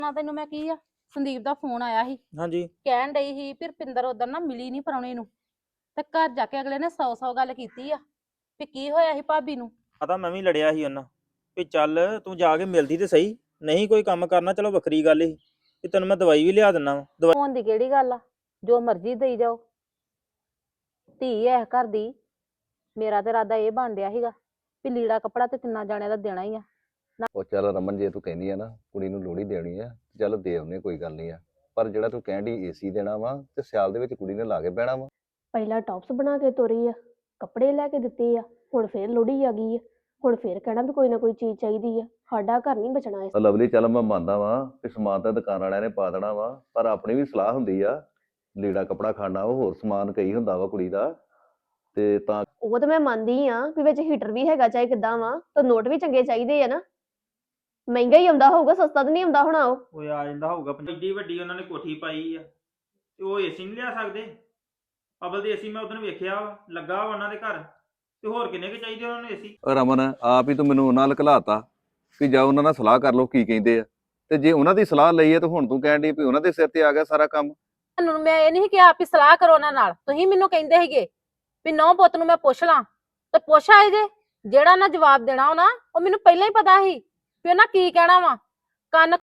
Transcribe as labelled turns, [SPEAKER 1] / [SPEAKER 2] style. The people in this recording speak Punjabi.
[SPEAKER 1] ਨਾ ਤੈਨੂੰ ਮੈਂ ਕੀ ਆ ਸੰਦੀਪ ਦਾ ਫੋਨ ਆਇਆ ਸੀ।
[SPEAKER 2] ਹਾਂਜੀ
[SPEAKER 1] ਕਹਿਣ ਡਈ ਸੀ ਵੀ ਰੁਪਿੰਦਰ ਉਧਰ ਨਾ ਮਿਲੀ ਨਹੀਂ ਪ੍ਰਾਹੁਣੇ ਨੂੰ ਤੇ ਘਰ ਜਾ ਕੇ ਅਗਲੇ ਨੇ 100 ਗੱਲ ਕੀਤੀ ਆ ਵੀ ਕੀ ਹੋਇਆ ਸੀ ਭਾਬੀ ਨੂੰ।
[SPEAKER 2] ਪਤਾ ਮੈਂ ਵੀ ਲੜਿਆ ਸੀ ਉਹਨਾਂ ਵੀ ਚੱਲ ਤੂੰ ਜਾ ਕੇ ਮਿਲਦੀ ਤੇ ਸਹੀ, ਨਹੀਂ ਕੋਈ ਕੰਮ ਕਰਨਾ ਚਲੋ ਵੱਖਰੀ ਗੱਲ ਸੀ ਤੇ ਤੈਨੂੰ ਮੈਂ ਦਵਾਈ ਵੀ ਲਿਆ ਦਿੰਦਾ ਵਾ।
[SPEAKER 1] ਫੋਨ ਦੀ ਕਿਹੜੀ ਗੱਲ ਆ, ਜੋ ਮਰਜ਼ੀ ਦੇਈ ਜਾਓ। ਧੀ ਐ ਘਰ ਦੀ। ਮੇਰਾ ਤੇ ਇਰਾਦਾ ਇਹ ਬਣ ਡਿਆ ਸੀਗਾ ਵੀ ਲੀੜਾ ਕੱਪੜਾ ਤੇ ਤਿੰਨਾਂ ਜਾਣਿਆਂ ਦਾ ਦੇਣਾ ਹੀ ਆ।
[SPEAKER 3] ਉਹ ਚੱਲ ਰਮਨ, ਜੇ ਤੂੰ ਕਹਿੰਦੀ ਆ ਨਾ ਕੁੜੀ ਨੂੰ ਲੋਹੜੀ ਦੇਣੀ ਆ, ਚੱਲ ਦੇ ਆਉਨੇ, ਕੋਈ ਗੱਲ ਨਹੀਂ ਆ। ਪਰ ਜਿਹੜਾ ਤੂੰ ਕਹਿੰਦੀ ਏਸੀ ਦੇਣਾ ਵਾ ਤੇ ਸਿਆਲ ਦੇ ਵਿੱਚ ਕੁੜੀ ਨੇ ਲਾ ਕੇ ਬਹਿਣਾ ਵਾ।
[SPEAKER 4] ਪਹਿਲਾਂ ਟੌਪਸ ਬਣਾ ਕੇ ਤੋਰੀ ਆ, ਕੱਪੜੇ ਲੈ ਕੇ ਦਿੱਤੇ ਆ, ਹੁਣ ਫੇਰ ਲੋਹੜੀ ਆ ਗਈ ਆ, ਹੁਣ ਫੇਰ ਕਹਿਣਾ ਵੀ ਕੋਈ ਨਾ ਕੋਈ ਚੀਜ਼ ਚਾਹੀਦੀ ਆ। ਸਾਡਾ ਘਰ ਨਹੀਂ ਬਚਣਾ ਇਸ।
[SPEAKER 3] ਲਵਲੀ, ਚੱਲ ਮੈਂ ਮੰਨਦਾ ਵਾਂ ਕਿ ਸਮਾਨ ਤਾਂ ਦੁਕਾਨ ਵਾਲਿਆਂ ਨੇ ਪਾ ਦੇਣਾ ਵਾ, ਪਰ ਆਪਣੀ ਵੀ ਸਲਾਹ ਹੁੰਦੀ ਆ। ਲੀੜਾ ਕੱਪੜਾ ਖਾਣਾ ਉਹ ਹੋਰ ਸਮਾਨ ਕਈ ਹੁੰਦਾ ਵਾ ਕੁੜੀ ਦਾ, ਤੇ ਤਾਂ
[SPEAKER 4] ਉਹ ਤਾਂ ਮੈਂ ਮੰਨਦੀ ਆ ਵੀ ਵਿੱਚ ਹੀਟਰ ਵੀ ਹੈਗਾ ਚਾਹੇ ਕਿੱਦਾਂ ਵਾ, ਤਾਂ ਨੋਟ ਵੀ ਚੰਗੇ ਚਾਹੀਦੇ ਆ ਨਾ। ਮਹਿੰਗਾ ਹੀ ਆਉਂਦਾ ਹੋਊਗਾ, ਸਸਤਾ ਤਾਂ ਨਹੀਂ ਆਉਂਦਾ ਹੋਣਾ ਉਹ।
[SPEAKER 2] ਉਹ ਆ ਜਾਂਦਾ ਹੋਊਗਾ। ਏਡੀ ਵੱਡੀ ਉਹਨਾਂ ਨੇ ਕੋਠੀ ਪਾਈ ਆ ਤੇ ਉਹ ਏਸੀ ਨਹੀਂ ਲਿਆ ਸਕਦੇ। ਅਬਲ ਦੇ ਏਸੀ ਮੈਂ ਉਦੋਂ ਵੇਖਿਆ ਲੱਗਾ ਵਾ ਉਹਨਾਂ ਦੇ ਘਰ, ਤੇ ਹੋਰ ਕਿੰਨੇ ਕੁ ਚਾਹੀਦੇ ਉਹਨਾਂ ਨੂੰ ਏਸੀ।
[SPEAKER 3] ਰਮਨ, ਆਪ ਹੀ ਤੂੰ ਮੈਨੂੰ ਉਹਨਾਂ ਨਾਲ ਘਲਾਤਾ ਵੀ ਜਾ ਉਹਨਾਂ ਨਾਲ ਸਲਾਹ ਕਰ ਲਓ ਕੀ ਕਹਿੰਦੇ ਆ, ਤੇ ਜੇ ਉਹਨਾਂ ਦੀ ਸਲਾਹ ਲਈ ਹੈ ਤਾਂ ਹੁਣ ਤੂੰ ਕਹਿਣ ਡਈ ਵੀ ਉਹਨਾਂ ਦੇ ਸਿਰ ਤੇ ਆ ਗਿਆ ਸਾਰਾ ਕੰਮ।
[SPEAKER 1] ਤੁਹਾਨੂੰ ਮੈਂ ਇਹ ਨਹੀਂ ਕਿਹਾ ਵੀ ਸਲਾਹ ਕਰੋ ਉਹਨਾਂ ਨਾਲ, ਤੁਸੀਂ ਮੈਨੂੰ ਕਹਿੰਦੇ ਸੀਗੇ ਵੀ ਨੌ ਪੁੱਤ ਨੂੰ ਮੈਂ ਪੁੱਛ ਲਾਂ ਤੇ ਪੁੱਛ ਆਏ ਜੇ। ਜਿਹੜਾ ਨਾ ਜਵਾਬ ਦੇਣਾ ਉਹ ਮੈਨੂੰ ਪਹਿਲਾਂ ਹੀ ਪਤਾ ਸੀ ਵੀ ਉਹਨਾਂ ਕੀ ਕਹਿਣਾ ਵਾ। ਕੰਨ